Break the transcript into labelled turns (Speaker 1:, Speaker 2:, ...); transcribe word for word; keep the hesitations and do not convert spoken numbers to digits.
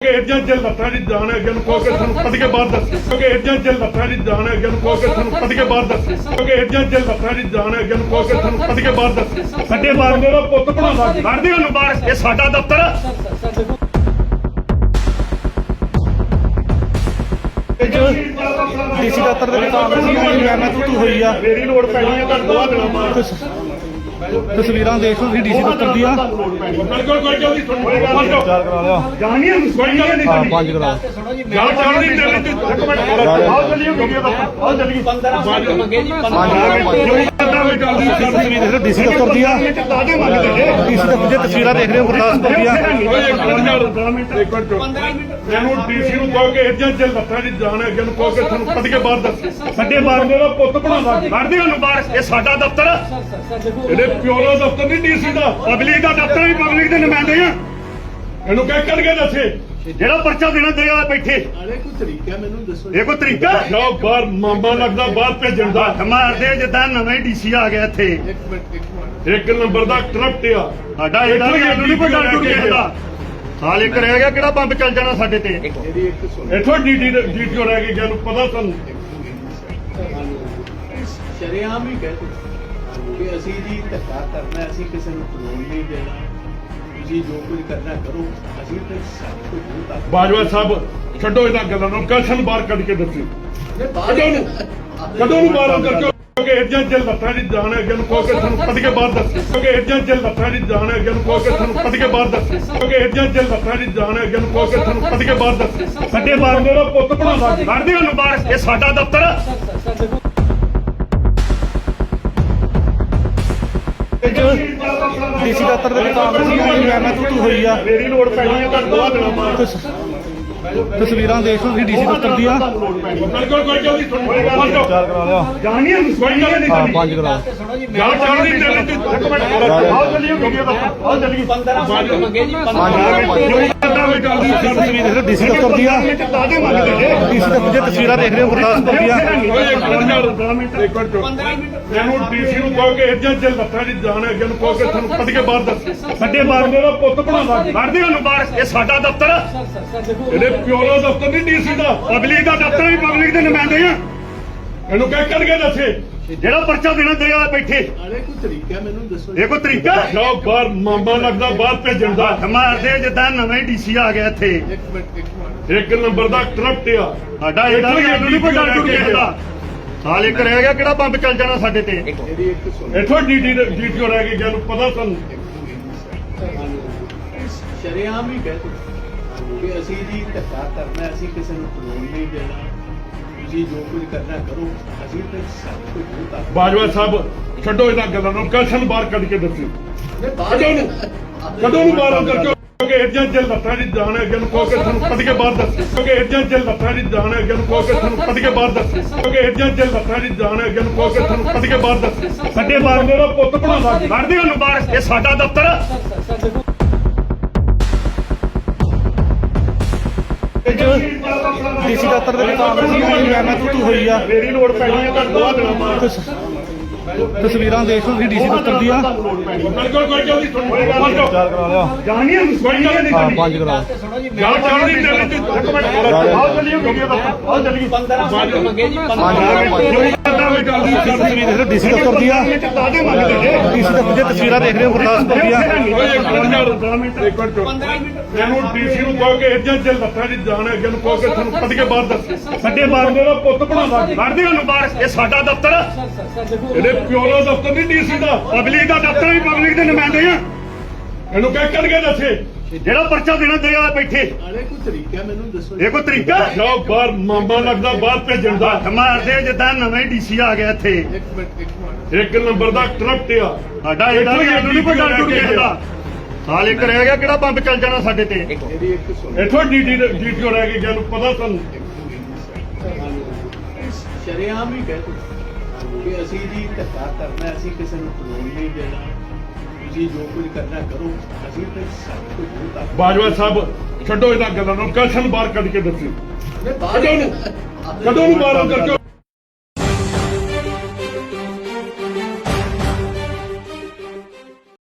Speaker 1: एजें जे लत्था दी जान है अगे कहो के थानू कद के बाद दस क्योंकि एजें जे लत्था दी जान है अगे कहो के थानू कद के बाद दस क्योंकि एजें जे लत्था दी जान है अगे कहो के थानू कद के बाद दस सड्डे बारने दा पुੱਤ ਬਣਾਉਂਦਾ ਕੱਢ ਦਿਓ ਉਹਨੂੰ ਬਾਹਰ ਇਹ ਸਾਡਾ ਦਫ਼ਤਰ
Speaker 2: ਡੀਸੀ ਦਫ਼ਤਰ ਦੇ ਵਿੱਚ ਕਾਂਗਰਸ ਦੀ ਮੈਂ ਤੂੰ ਹੋਈ ਆ
Speaker 1: ਮੇਰੀ ਲੋੜ ਪੈਣੀ ਹੈ ਤੁਹਾਨੂੰ ਦੋਆ ਦਿਨਾਂ ਬਾਅਦ
Speaker 2: ਤਸਵੀਰਾਂ ਦੇਖ ਲਓ ਡੀਸੀ ਦਫ਼ਤਰ ਦੀਆਂ
Speaker 1: ਬਿਲਕੁਲ ਕੋਈ ਜਲਦੀ ਤੁਹਾਨੂੰ
Speaker 2: ਚਾਰ ਕਰਾ ਲਿਆ
Speaker 1: ਜਾਣੀ ਹੈ ਕੋਈ ਗੱਲ ਨਹੀਂ
Speaker 2: ਹਾਂ ਪੰਜ ਕਰਾ
Speaker 1: ਗੱਲ ਚੱਲਦੀ ਚੱਲਦੀ ਇੱਕ ਮਿੰਟ ਆਓ ਚੱਲੀਏ ਵੀਡੀਓ ਦਾ ਆਓ ਚੱਲੀਏ ਪੰਦਰਾਂ ਮੰਗੇ ਜੀ
Speaker 2: ਤਸਵੀਰ ਦੇਖ ਲਓ ਡੀਸੀ ਦਫ਼ਤਰ ਦੀਆਂ ਡੀਸੀ ਦਫ਼ਤਰ ਦੀਆਂ ਤਸਵੀਰਾਂ ਦੇਖ ਰਹੇ ਹੋ ਗੁਰਦਾਸਪੁਰ ਦੀਆਂ
Speaker 1: ਮੈਨੂੰ ਡੀਸੀ ਨੂੰ ਕਹੋ ਕਿ ਏਜੰਟ ਜੇ ਲੱਤਾਂ ਦੀ ਜਾਨ ਹੈ ਅੱਗੇ ਨੂੰ ਕਹੋ ਕਿ ਤੁਹਾਨੂੰ ਕੱਢ ਕੇ ਬਾਹਰ ਦੱਸ ਸਾਡੇ ਬਾਰਨੇ ਦਾ ਪੁੱਤ ਬਣਾਉਂਦਾ ਕੱਢ ਦਿਓ ਉਹਨੂੰ ਬਾਹਰ ਇਹ ਸਾਡਾ ਦਫ਼ਤਰ ਇਹਦੇ ਪਿਓ ਦਾ ਦਫ਼ਤਰ ਨਹੀਂ ਡੀਸੀ ਦਾ ਪਬਲਿਕ ਦਾ ਦਫ਼ਤਰ ਵੀ ਪਬਲਿਕ ਦੇ ਨੁਮਾਇੰਦੇ ਆ ਇਹਨੂੰ ਕਹਿ ਕੱਢ ਕੇ ਦੱਸੇ ਜਿਹੜਾ ਪਰਚਾ ਦੇਣਾ ਦੇਗਾ ਬੈਠੇ
Speaker 3: ਅਰੇ ਕੋਈ ਤਰੀਕਾ ਮੈਨੂੰ ਦੱਸੋ
Speaker 1: ਇਹ ਕੋਈ ਤਰੀਕਾ ਜਾਓ ਬਾਹਰ ਮਾਮਾ ਲੱਗਦਾ ਬਾਹਰ ਭੇਜਣ ਦਾ ਮਾਰਦੇ ਜਿੱਦਾਂ ਨਵੇਂ ਡੀਸੀ ਆ ਗਿਆ ਇੱਥੇ
Speaker 3: ਇੱਕ ਮਿੰਟ ਇੱਕ ਮਿੰਟ
Speaker 1: ਇੱਕ ਨੰਬਰ ਦਾ ਕਰਪਟ ਆ
Speaker 2: ਸਾਡਾ ਇਹਦਾ ਵੀ ਇਹਨੂੰ ਨਹੀਂ ਕੋਈ ਡਰ ਡੁਰ ਕਿਸੇ ਦਾ ਸਾਲ ਇੱਕ ਰਹਿ ਗਿਆ ਕਿਹੜਾ ਬੰਬ ਚੱਲ ਜਾਣਾ ਸਾਡੇ ਤੇ
Speaker 3: ਮੇਰੀ ਇੱਕ ਸੁਣ
Speaker 1: ਇੱਥੋਂ ਡੀਟੀ ਡੀਟੀਓ ਰਹਿ ਗਈ ਜਾਨੂੰ ਪਤਾ ਤੁਹਾਨੂੰ
Speaker 3: ਸ਼ਰੇਆਮ ਹੀ ਕਹਿ ਦਿੱਤਾ ਕਿ ਅਸੀਂ ਜੀ ਧੱਕਾ ਕਰਨਾ ਅਸੀਂ ਕਿਸੇ ਨੂੰ ਖਲੋਣ ਨਹੀਂ ਦੇਣਾ ਤੁਸੀਂ ਜੋ ਕੁਝ ਕਰਨਾ ਕਰੋ ਅਸੀਂ ਤੇ ਸਭ ਕੁਝ ਹੁੰਦਾ
Speaker 1: ਬਾਜਵਾ ਸਾਹਿਬ ਛੱਡੋ ਇਹਨਾਂ ਗੱਲਾਂ ਨੂੰ ਕਸ਼ਨ ਬਾਹਰ ਕੱਢ ਕੇ ਦੱਸੋ ਕਦੋਂ ਨੂੰ ਕਦੋਂ ਨੂੰ ਬਾਹਰ ਕਰਕੇ ਕਿਉਂਕਿ ਏਜੰਟ ਜੇ ਲੱਤਾਂ ਦੀ ਜਾਨ ਹੈ ਅੱਗੇ ਨੂੰ ਕਹੋ ਕਿ ਤੁਹਾਨੂੰ ਕੱਢ ਕੇ ਬਾਹਰ ਦੱਸ ਕਿਉਂਕਿ ਏਜੰਟ ਜੇ ਲੱਤਾਂ ਦੀ ਜਾਨ ਹੈ ਅੱਗੇ ਨੂੰ ਕਹੋ ਕਿ ਤੁਹਾਨੂੰ ਕੱਢ ਕੇ ਬਾਹਰ ਦੱਸ ਕਿਉਂਕਿ ਏਜੰਟ ਜੇ ਲੱਤਾਂ ਦੀ ਜਾਨ ਹੈ ਅੱਗੇ ਨੂੰ ਕਹੋ ਕਿ ਤੁਹਾਨੂੰ ਕੱਢ ਕੇ ਬਾਹਰ ਦੱਸ ਸਾਡੇ ਬਾਰਨੇ ਦਾ ਪੁੱਤ ਬਣਾਉਂਦਾ ਕੱਢ ਦਿਓ ਉਹਨੂੰ ਬਾਹਰ ਇਹ ਸਾਡਾ ਦਫ਼ਤਰ
Speaker 2: ਡੀਸੀ ਦਫ਼ਤਰ ਦੇ ਵਿੱਚ ਕਾਂਗਰਸ ਦੀ ਮੈਂ ਤੂੰ ਹੋਈ ਆ
Speaker 1: ਮੇਰੀ ਲੋੜ ਪੈਣੀ ਹੈ ਤੁਹਾਨੂੰ ਦੋਆ ਦਿਨਾਂ ਬਾਅਦ
Speaker 2: ਤਸਵੀਰਾਂ ਦੇਖ ਲਓ ਡੀਸੀ ਦਫ਼ਤਰ ਦੀਆਂ
Speaker 1: ਬਿਲਕੁਲ ਕੋਈ ਜਲਦੀ ਤੁਹਾਨੂੰ
Speaker 2: ਚਾਰ ਕਰਾ ਲਿਆ
Speaker 1: ਜਾਣੀ ਹੈ ਕੋਈ ਗੱਲ ਨਹੀਂ
Speaker 2: ਹਾਂ ਪੰਜ ਕਰਾ
Speaker 1: ਗੱਲ ਚੱਲਦੀ ਚੱਲਦੀ ਇੱਕ ਮਿੰਟ ਆਓ ਚੱਲੀਏ ਵੀਡੀਓ ਦਾ ਆਓ ਚੱਲੀਏ ਪੰਦਰਾਂ ਮੰਗੇ ਜੀ
Speaker 2: ਤਸਵੀਰ ਦੇਖ ਲਓ ਡੀਸੀ ਦਫ਼ਤਰ ਦੀਆਂ ਡੀਸੀ ਦਫ਼ਤਰ ਦੀਆਂ ਤਸਵੀਰਾਂ ਦੇਖ ਰਹੇ ਹੋ ਗੁਰਦਾਸਪੁਰ ਦੀਆਂ
Speaker 1: ਮੈਨੂੰ ਡੀਸੀ ਨੂੰ ਕਹੋ ਕਿ ਏਜੰਟ ਜੇ ਲੱਤਾਂ ਦੀ ਜਾਨ ਹੈ ਅੱਗੇ ਨੂੰ ਕਹੋ ਕਿ ਤੁਹਾਨੂੰ ਕੱਢ ਕੇ ਬਾਹਰ ਦੱਸ ਸਾਡੇ ਬਾਰਨੇ ਦਾ ਪੁੱਤ ਬਣਾਉਂਦਾ ਕੱਢ ਦਿਓ ਉਹਨੂੰ ਬਾਹਰ ਇਹ ਸਾਡਾ ਦਫ਼ਤਰ ਇਹਦੇ ਪਿਓ ਦਾ ਦਫ਼ਤਰ ਨਹੀਂ ਡੀਸੀ ਦਾ ਪਬਲਿਕ ਦਾ ਦਫ਼ਤਰ ਵੀ ਪਬਲਿਕ ਦੇ ਨੁਮਾਇੰਦੇ ਆ ਇਹਨੂੰ ਕਹਿ ਕੱਢ ਕੇ ਦੱਸੇ ਜਿਹੜਾ ਪਰਚਾ ਦੇਣਾ ਦੇਗਾ ਬੈਠੇ
Speaker 3: ਅਰੇ ਕੋਈ ਤਰੀਕਾ ਮੈਨੂੰ ਦੱਸੋ
Speaker 1: ਇਹ ਕੋਈ ਤਰੀਕਾ ਜਾਓ ਬਾਹਰ ਮਾਮਾ ਲੱਗਦਾ ਬਾਹਰ ਭੇਜਣ ਦਾ
Speaker 2: ਮਾਰਦੇ ਜਿੱਦਾਂ ਨਵੇਂ ਡੀਸੀ ਆ ਗਿਆ ਇੱਥੇ
Speaker 3: ਇੱਕ ਮਿੰਟ ਇੱਕ ਮਿੰਟ
Speaker 1: ਇੱਕ ਨੰਬਰ ਦਾ ਕਰਪਟ ਆ
Speaker 2: ਸਾਡਾ ਇਹਦਾ ਵੀ ਇਹਨੂੰ ਨਹੀਂ ਕੋਈ ਡਰ ਡੁਰ ਕਿਸੇ ਦਾ ਸਾਲ ਇੱਕ ਰਹਿ ਗਿਆ ਕਿਹੜਾ ਬੰਬ ਚੱਲ ਜਾਣਾ ਸਾਡੇ ਤੇ
Speaker 3: ਮੇਰੀ ਇੱਕ ਸੁਣ
Speaker 1: ਇੱਥੋਂ ਡੀਟੀ ਡੀਟੀਓ ਰਹਿ ਗਈ ਜਾਨੂੰ ਪਤਾ ਤੁਹਾਨੂੰ
Speaker 3: ਸ਼ਰੇਆਮ ਹੀ ਕਹਿ ਦਿੱਤਾ ਕਿ ਅਸੀਂ ਜੀ ਧੱਕਾ ਕਰਨਾ ਅਸੀਂ ਕਿਸੇ ਨੂੰ ਖਲੋਣ ਨਹੀਂ ਦੇਣਾ ਤੁਸੀਂ ਜੋ ਕੁਝ ਕਰਨਾ ਕਰੋ ਅਸੀਂ ਤੇ ਸਭ ਕੁਝ ਹੁੰਦਾ
Speaker 1: ਬਾਜਵਾ ਸਾਹਿਬ ਛੱਡੋ ਇਹਨਾਂ ਗੱਲਾਂ ਨੂੰ ਕਸ਼ਨ ਬਾਹਰ ਕੱਢ ਕੇ ਦੱਸੋ ਕਦੋਂ ਨੂੰ ਕਦੋਂ ਨੂੰ ਬਾਹਰ ਕਰਕੇ ਕਿਉਂਕਿ ਏਜੰਟ ਜੇ ਲੱਤਾਂ ਦੀ ਜਾਨ ਹੈ ਅੱਗੇ ਨੂੰ ਕਹੋ ਕਿ ਤੁਹਾਨੂੰ ਕੱਢ ਕੇ ਬਾਹਰ ਦੱਸ ਕਿਉਂਕਿ ਏਜੰਟ ਜੇ ਲੱਤਾਂ ਦੀ ਜਾਨ ਹੈ ਅੱਗੇ ਨੂੰ ਕਹੋ ਕਿ ਤੁਹਾਨੂੰ ਕੱਢ ਕੇ ਬਾਹਰ ਦੱਸ ਕਿਉਂਕਿ ਏਜੰਟ ਜੇ ਲੱਤਾਂ ਦੀ ਜਾਨ ਹੈ ਅੱਗੇ ਨੂੰ ਕਹੋ ਕਿ ਤੁਹਾਨੂੰ ਕੱਢ ਕੇ ਬਾਹਰ ਦੱਸ ਸਾਡੇ ਬਾਰਨੇ ਦਾ ਪੁੱਤ ਬਣਾਉਂਦਾ ਕੱਢ ਦਿਓ ਉਹਨੂੰ ਬਾਹਰ ਇਹ ਸਾਡਾ ਦਫ਼ਤਰ
Speaker 2: ਡੀਸੀ ਦਫ਼ਤਰ ਦੇ ਵਿੱਚ ਕਾਂਗਰਸ ਦੀ ਮੈਂ ਤੂੰ ਹੋਈ ਆ
Speaker 1: ਮੇਰੀ ਲੋੜ ਪੈਣੀ ਹੈ ਤੁਹਾਨੂੰ ਦੋਆ ਦਿਨਾਂ ਬਾਅਦ
Speaker 2: ਤਸਵੀਰਾਂ ਦੇਖ ਲਓ ਡੀਸੀ ਦਫ਼ਤਰ ਦੀਆਂ
Speaker 1: ਬਿਲਕੁਲ ਕੋਈ ਜਲਦੀ ਤੁਹਾਨੂੰ
Speaker 2: ਚਾਰ ਕਰਾ ਲਿਆ
Speaker 1: ਜਾਣੀ ਹੈ ਕੋਈ ਗੱਲ ਨਹੀਂ
Speaker 2: ਹਾਂ ਪੰਜ ਕਰਾ
Speaker 1: ਗੱਲ ਚੱਲਦੀ ਚੱਲਦੀ ਇੱਕ ਮਿੰਟ ਆਓ ਚੱਲੀਏ ਵੀਡੀਓ ਦਾ ਆਓ ਚੱਲੀਏ ਪੰਦਰਾਂ ਮੰਗੇ ਜੀ
Speaker 2: ਤਸਵੀਰ ਦੇਖ ਲਓ ਡੀਸੀ ਦਫ਼ਤਰ ਦੀਆਂ ਡੀਸੀ ਦਫ਼ਤਰ ਦੀਆਂ ਤਸਵੀਰਾਂ ਦੇਖ ਰਹੇ ਹੋ ਗੁਰਦਾਸਪੁਰ ਦੀਆਂ
Speaker 1: ਮੈਨੂੰ ਡੀਸੀ ਨੂੰ ਕਹੋ ਕਿ ਏਜੰਟ ਜੇ ਲੱਤਾਂ ਦੀ ਜਾਨ ਹੈ ਅੱਗੇ ਨੂੰ ਕਹੋ ਕਿ ਤੁਹਾਨੂੰ ਕੱਢ ਕੇ ਬਾਹਰ ਦੱਸ ਸਾਡੇ ਬਾਰਨੇ ਦਾ ਪੁੱਤ ਬਣਾਉਂਦਾ ਕੱਢ ਦਿਓ ਉਹਨੂੰ ਬਾਹਰ ਇਹ ਸਾਡਾ ਦਫ਼ਤਰ ਇਹਦੇ ਪਿਓ ਦਾ ਦਫ਼ਤਰ ਨਹੀਂ ਡੀਸੀ ਦਾ ਪਬਲਿਕ ਦਾ ਦਫ਼ਤਰ ਵੀ ਪਬਲਿਕ ਦੇ ਨੁਮਾਇੰਦੇ ਆ ਇਹਨੂੰ ਕਹਿ ਕੱਢ ਕੇ ਦੱਸੇ ਜਿਹੜਾ ਪਰਚਾ ਦੇਣਾ ਦੇਗਾ ਬੈਠੇ
Speaker 3: ਅਰੇ ਕੋਈ ਤਰੀਕਾ ਮੈਨੂੰ ਦੱਸੋ
Speaker 1: ਇਹ ਕੋਈ ਤਰੀਕਾ ਜਾਓ ਬਾਹਰ ਮਾਮਾ ਲੱਗਦਾ ਬਾਹਰ ਭੇਜਣ ਦਾ
Speaker 2: ਮਾਰਦੇ ਜਿੱਦਾਂ ਨਵੇਂ ਡੀਸੀ ਆ ਗਿਆ ਇੱਥੇ
Speaker 3: ਇੱਕ ਮਿੰਟ ਇੱਕ ਮਿੰਟ
Speaker 1: ਇੱਕ ਨੰਬਰ ਦਾ ਕਰਪਟ ਆ
Speaker 2: ਸਾਡਾ ਇਹਦਾ ਵੀ ਇਹਨੂੰ ਨਹੀਂ ਕੋਈ ਡਰ ਡੁਰ ਕਿਸੇ ਦਾ ਸਾਲ ਇੱਕ ਰਹਿ ਗਿਆ ਕਿਹੜਾ ਬੰਬ ਚੱਲ ਜਾਣਾ ਸਾਡੇ ਤੇ
Speaker 3: ਮੇਰੀ ਇੱਕ ਸੁਣ
Speaker 1: ਇੱਥੋਂ ਡੀਟੀ ਡੀਟੀਓ ਰਹਿ ਗਈ ਜਾਨੂੰ ਪਤਾ ਤੁਹਾਨੂੰ
Speaker 3: ਸ਼ਰੇਆਮ ਹੀ ਕਹਿ ਦਿੱਤਾ ਕਿ ਅਸੀਂ ਜੀ ਧੱਕਾ ਕਰਨਾ ਅਸੀਂ ਕਿਸੇ ਨੂੰ ਖਲੋਣ ਨਹੀਂ ਦੇਣਾ ਤੁਸੀਂ ਜੋ ਕੁਝ ਕਰਨਾ ਕਰੋ ਅਸੀਂ ਤੇ ਸਭ ਕੁਝ ਹੁੰਦਾ
Speaker 1: ਬਾਜਵਾ ਸਾਹਿਬ ਛੱਡੋ ਇਹਨਾਂ ਗੱਲਾਂ ਨੂੰ ਕਸ਼ਨ ਬਾਹਰ ਕੱਢ ਕੇ ਦੱਸੋ ਕਦੋਂ ਨੂੰ ਕਦੋਂ ਨੂੰ ਬਾਹਰ ਕਰਕੇ